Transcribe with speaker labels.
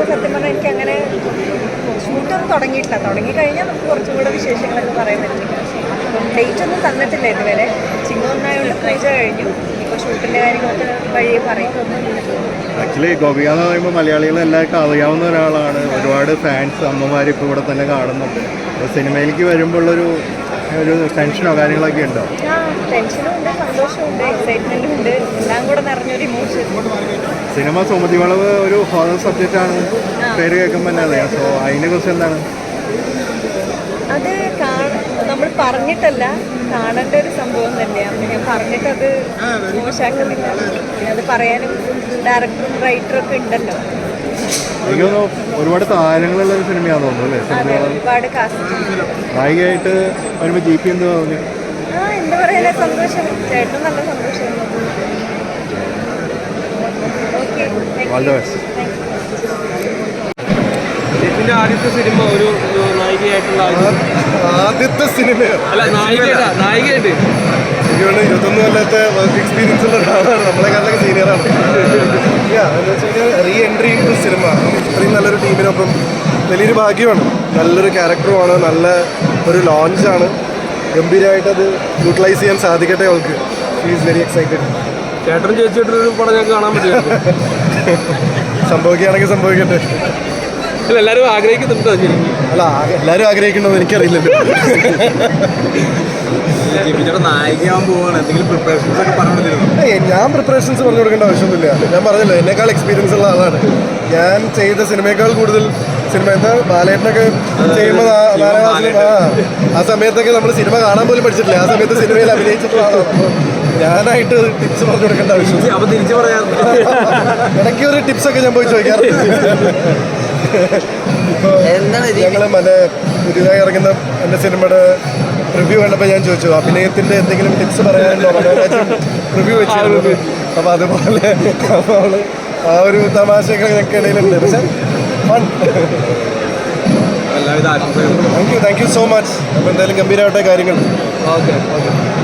Speaker 1: സത്യം പറഞ്ഞാൽ എനിക്ക് അങ്ങനെ ഷൂട്ടൊന്നും തുടങ്ങിയിട്ടില്ല. തുടങ്ങിക്കഴിഞ്ഞാൽ നമുക്ക് കുറച്ചും കൂടെ വിശേഷങ്ങളൊക്കെ പറയാൻ പറ്റില്ല. ഡേറ്റ് ഒന്നും തന്നിട്ടില്ല ഇതുവരെ. ചിങ്ങം ഒന്നായതുകൊണ്ട് പൂജ കഴിഞ്ഞു. ഇപ്പോൾ ഷൂട്ടിൻ്റെ കാര്യങ്ങളൊക്കെ വഴിയെ പറയും.
Speaker 2: ആക്ച്വലി ഗോപിക എന്ന് പറയുമ്പോൾ മലയാളികൾ എല്ലാവർക്കും അറിയാവുന്ന ഒരാളാണ്. ഒരുപാട് ഫാൻസ് അമ്മമാർ ഇപ്പോൾ ഇവിടെ തന്നെ കാണുന്നുണ്ട്. സിനിമയിലേക്ക് വരുമ്പോൾ ഒരു ടെൻഷനോ കാര്യങ്ങളൊക്കെ ഉണ്ടോ?
Speaker 1: ആ, ടെൻഷനും ഉണ്ട്, സന്തോഷമുണ്ട്, എക്സൈറ്റ്മെൻറ്റും ഉണ്ട്, എല്ലാം കൂടെ നിറഞ്ഞൊരു ഇമോഷൻ.
Speaker 2: സിനിമ സുമതി വളവ് ഒരു ഹോറർ സബ്ജക്റ്റാണ് പേര് കേൾക്കുമ്പോൾ തന്നെ അറിയാം. സോ അതിനെക്കുറിച്ച് എന്താണ്?
Speaker 1: അത് നമ്മൾ പറഞ്ഞിട്ടല്ല, കാണേണ്ട ഒരു സംഭവം തന്നെയാണ്. ഞാൻ പറഞ്ഞിട്ടത് മോശമാക്കുന്നില്ല. അത് പറയാനും ഡയറക്ടറും റൈറ്ററും ഒക്കെ ഉണ്ടല്ലോ.
Speaker 2: എനിക്ക് തോന്നുന്നു ഒരുപാട് താരങ്ങളുള്ള ഒരു സിനിമയാണെന്ന് തോന്നുന്നു അല്ലേ?
Speaker 1: ഒരുപാട് കാസ്റ്റ്
Speaker 2: നായികയായിട്ട് വരുമ്പോൾ GP എന്ത് തോന്നി?
Speaker 1: എന്താ പറയാ, സന്തോഷം. ചേട്ടൻ നല്ല സന്തോഷം.
Speaker 2: All the best.
Speaker 3: ചേച്ചിന്റെ ആദ്യത്തെ സിനിമ ഒരു നായികയായിട്ടുള്ള
Speaker 4: ആദ്യത്തെ സിനിമയോ?
Speaker 3: അല്ല, നായികയായിട്ട്
Speaker 4: 21 കൊല്ലത്തെ വർക്ക് എക്സ്പീരിയൻസ് ഉള്ള ഒരാളാണ്. നമ്മളെക്കാളൊക്കെ സീനിയറാണ്. എന്ന് വെച്ച് കഴിഞ്ഞാൽ റീ എൻട്രി ടു സിനിമ. ഇത്രയും നല്ലൊരു ടീമിനൊപ്പം വലിയൊരു ഭാഗ്യമാണ്. നല്ലൊരു ക്യാരക്ടറുമാണ്, നല്ല ഒരു ലോഞ്ചാണ്. ഗംഭീരമായിട്ട് അത് യൂട്ടിലൈസ് ചെയ്യാൻ സാധിക്കട്ടെ അവൾക്ക്. She is very excited.
Speaker 3: ചേട്ടനും ചേച്ചിയായിട്ടൊരു പടം ഞങ്ങൾക്ക് കാണാൻ പറ്റില്ല.
Speaker 4: സംഭവിക്കുകയാണെങ്കിൽ സംഭവിക്കട്ടെ.
Speaker 3: അല്ല, എല്ലാവരും ആഗ്രഹിക്കുന്നുണ്ടോ?
Speaker 4: അല്ല, എല്ലാവരും ആഗ്രഹിക്കണമെന്ന് എനിക്കറിയില്ലല്ലോ.
Speaker 3: നായികയാവാൻ പോവാണ്, എന്തെങ്കിലും പ്രിപ്പറേഷൻസ് ഒക്കെ പറഞ്ഞു?
Speaker 4: ഞാൻ പ്രിപ്പറേഷൻസ് പറഞ്ഞു കൊടുക്കേണ്ട ആവശ്യമൊന്നുമില്ല. ഞാൻ പറഞ്ഞല്ലോ, എന്നേക്കാൾ എക്സ്പീരിയൻസ് ഉള്ള ആളാണ്. ഞാൻ ചെയ്ത സിനിമയേക്കാൾ കൂടുതൽ സിനിമ എന്താ ബാലേട്ടനൊക്കെ ചെയ്യുമ്പോൾ ആ സമയത്തൊക്കെ നമ്മൾ സിനിമ കാണാൻ പോലും പഠിച്ചിട്ടില്ല. ആ സമയത്ത് സിനിമയിൽ അഭിനയിച്ചിട്ടുള്ള ആളാണ്. അപ്പോൾ ഞാനായിട്ട് ടിപ്സ് പറഞ്ഞു കൊടുക്കേണ്ട ആവശ്യം.
Speaker 3: അപ്പോൾ തിരിച്ചു പറയാം,
Speaker 4: ഇടയ്ക്ക് ഒരു ടിപ്സൊക്കെ ഞാൻ പോയി ചോദിക്കാറുണ്ട്. ഇപ്പോൾ ഞങ്ങൾ പുതിയതായി ഇറങ്ങുന്ന എൻ്റെ സിനിമയുടെ റിവ്യൂ കണ്ടപ്പോൾ ഞാൻ ചോദിച്ചു, അഭിനയത്തിൻ്റെ എന്തെങ്കിലും ടിപ്സ് പറയാനുണ്ടോ? റിവ്യൂ വെച്ചിരുന്നു. അപ്പോൾ അതുപോലെ അപ്പോൾ ആ ഒരു തമാശയൊക്കെ ഞങ്ങൾക്ക് ഇടയിലുണ്ട്. പക്ഷേ ഫൺ.
Speaker 3: എല്ലാവിധ ആശംസകളും.
Speaker 4: Thank you so much. അപ്പോൾ എന്തായാലും ഗംഭീരമായിട്ടെ കാര്യങ്ങൾ.
Speaker 3: ഓക്കെ.